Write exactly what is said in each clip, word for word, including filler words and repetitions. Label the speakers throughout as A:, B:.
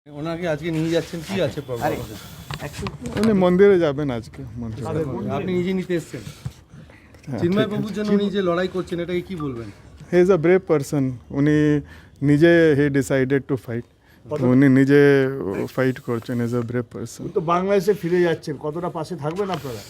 A: ওনাকে আজকে নিয়ে যাচ্ছেন, কি আছে প্রবলেম?
B: উনি মন্দিরে যাবেন আজকে।
A: আপনি নিজে নিতে এসেছেন চিন্ময় বাবুর জন্য, উনি যে লড়াই করছেন এটাকে কি বলবেন?
B: He is a brave person. উনি নিজে হি ডিসাইডেড টু ফাইট, উনি নিজে ফাইট করছেন। Is a brave person.
C: তো বাংলাদেশে ফিরে যাচ্ছেন, কতটা পাশে থাকবেন আপনারা?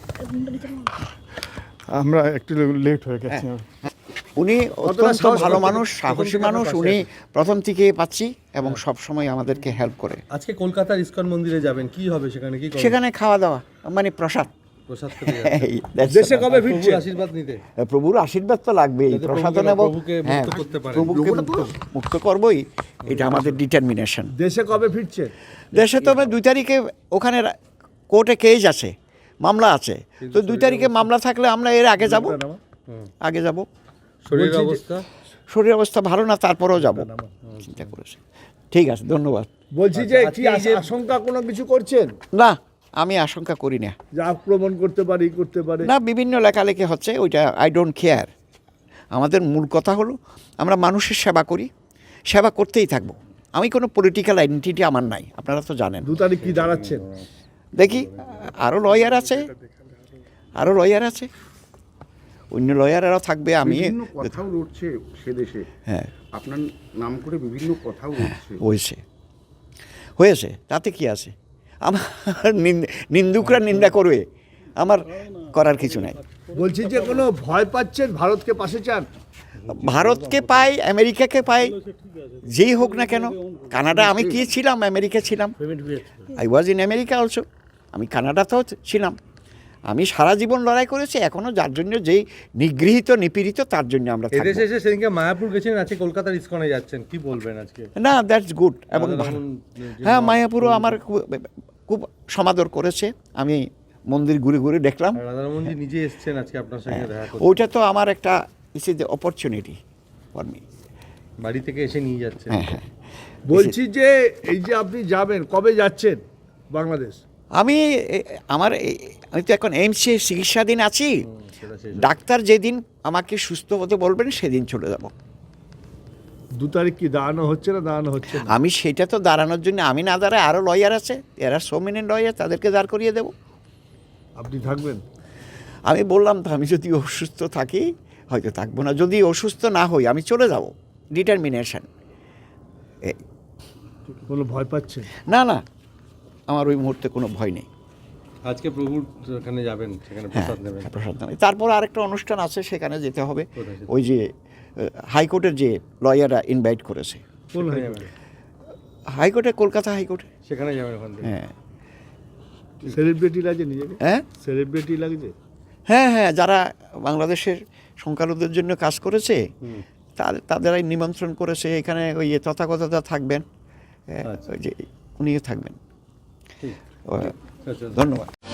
B: আমরা একটু লেট হয়ে গেছি।
D: উনি অত্যন্ত ভালো মানুষ, সাহসী মানুষ। উনি প্রথম থেকে পাচ্ছি এবং সব সময় আমাদেরকে হেল্প করে।
A: আজকে কলকাতার ইসকন মন্দিরে যাবেন, কি হবে সেখানে? কি করবেন?
D: সেখানে খাওয়া দাওয়া মানে প্রসাদ।
A: প্রসাদ খেতে
D: এই,
A: যাচ্ছেন।
D: that's
C: দেশে
D: all.
C: কবে ফিরছে?
A: প্রভুর আশীর্বাদ নিতে।
D: প্রভুর আশীর্বাদ তো লাগবেই,
A: যাতে
D: প্রসাদ
A: প্রভুকে-
D: নেব,
A: প্রভুকে মুক্ত
D: হ্যাঁ,
A: করতে পারেন।
D: প্রভুকে মুক্ত মুক্ত করবই, এটা আমাদের ডিটারমিনেশন।
C: দেশে কবে ফিরছে?
D: দেশে তো দুই তারিখে ওখানে কোর্টে কেস আছে, মামলা আছে, তো দুই তারিখে মামলা থাকলে আমরা এর আগে যাব, আগে যাব।
A: শরীরের
C: বলছি যে-
A: অবস্থা
D: শরীর অবস্থা ভালো না, তারপরেও যাব চিন্তা করেছে। ঠিক আছে, ধন্যবাদ।
C: বলছি যে
A: আচ্ছা,
C: কি
A: আজকে এই যে-
C: আশঙ্কা কোনো কিছু করছেন
D: না, আমি আশঙ্কা করি না।
C: যে আক্রমণ করতে পারে, ই করতে পারে?
D: না, বিভিন্ন লেখালেখি হচ্ছে, ওইটা আই ডোন্ট কেয়ার। আমাদের মূল কথা হলো আমরা মানুষের সেবা করি, সেবা করতেই থাকবো। আমি কোনো পলিটিক্যাল আইডেন্টিটি আমার নাই, আপনারা তো জানেন।
C: দু তারিখ কি দাঁড়াচ্ছেন?
D: দেখি, আরও লয়ার আছে, আরও লয়ার আছে, অন্য লয়ারেরাও থাকবে। আমি
E: বিভিন্ন কথাও উঠছে সে দেশে,
D: হ্যাঁ,
E: আপনার নাম করে বিভিন্ন কথাও উঠছে।
D: হয়েছে হয়েছে তাতে কি আছে? আমার নিন- নিন্দুকরা নিন্দা করবে, আমার করার কিছু নাই।
C: বলছি যে কোনো ভয় পাচ্ছেন, ভারতকে পাশে চান?
D: ভারতকে পাই, আমেরিকাকে পাই, যেই হোক না কেন। কানাডা, আমি কি ছিলাম? আমেরিকা ছিলাম, I was in America also. আমি কানাডাতেও ছিলাম। আমি সারা জীবন লড়াই করেছি, এখনও যার জন্য যেই নিগৃহীত নিপীড়িত তার জন্য আমরা থাকবো।
A: এদেশে এসে সেদিনকে মায়াপুর গেছেন, আজকে কলকাতার ইসকনে যাচ্ছেন, কি বলবেন আজকে?
D: না, দ্যাটস গুড এবং
A: রাধা
D: ভালো।
A: রমন যে-
D: হ্যাঁ, মায়াপুরও আমার খুব খুব সমাদর করেছে। আমি মন্দির ঘুরে ঘুরে দেখলাম।
A: আর রাধারমনজি নিজে এসেছেন আজকে আপনার সঙ্গে দেখা করতে,
D: ওইটা তো আমার একটা is is opportunity for me.
A: বাড়ি থেকে এসে নিয়ে যাচ্ছেন।
D: হ্যাঁ হ্যাঁ,
C: বলছি যে এই যে আপনি যাবেন, কবে যাচ্ছেন বাংলাদেশ?
D: আমি এ- আমার এ- আমি তো এখন এইমসে চিকিৎসাধীন আছি।
A: সেটা শেষ।
D: ডাক্তার যেদিন আমাকে সুস্থ হতে বলবেন সেদিন চলে যাব।
C: দু তারিখ কি দাঁড়ানো হচ্ছে না দাঁড়ানো হচ্ছে না?
D: আমি সেটা তো দাঁড়ানোর জন্য আমি না দাঁড়ায় আরও লয়ার আছে, এরা সো মেনি লয়ার, তাদেরকে দাঁড় করিয়ে দেব।
C: আপনি থাকবেন?
D: আমি বললাম তো, আমি যদি অসুস্থ থাকি হয়তো থাকবো না, যদি অসুস্থ না হই আমি চলে যাব। ডিটারমিনেশন।
C: কোনো ভয় পাচ্ছেন?
D: না না, আমার ওই মুহূর্তে কোনো ভয় নেই।
A: আজকে প্রভুর ওখানে যাবেন, সেখানে
D: হ্যাঁ,
A: প্রসাদ নেবেন।
D: প্রসাদ নেবে। তারপর আরেকটা অনুষ্ঠান আছে, সেখানে যেতে হবে।
A: কোথায় সেটা?
D: ওই যে হাইকোর্টের যে লয়াররা ইনভাইট করেছে,
C: কোন
A: সেখানে
C: হাইকোর্টে?
A: যাবেন।
D: হাইকোর্টে, কলকাতা হাইকোর্টে।
A: সেখানে যাবেন ওখান থেকে।
D: হ্যাঁ
C: সেলিব্রিটি লাগে নিজেকে?
D: হ্যাঁ
C: সেলিব্রিটি লাগছে?
D: হ্যাঁ হ্যাঁ, যারা বাংলাদেশের সংখ্যালঘুদের জন্য কাজ করেছে
A: হুম।
D: তাদের তাদেরাই নিমন্ত্রণ করেছে। এখানে ওই যে তথাগতরা থাকবেন,
A: আচ্ছা।
D: ওই যে উনিও থাকবেন।
A: ঠিক।
D: ও,
A: আচ্ছা।
D: ধন্যবাদ।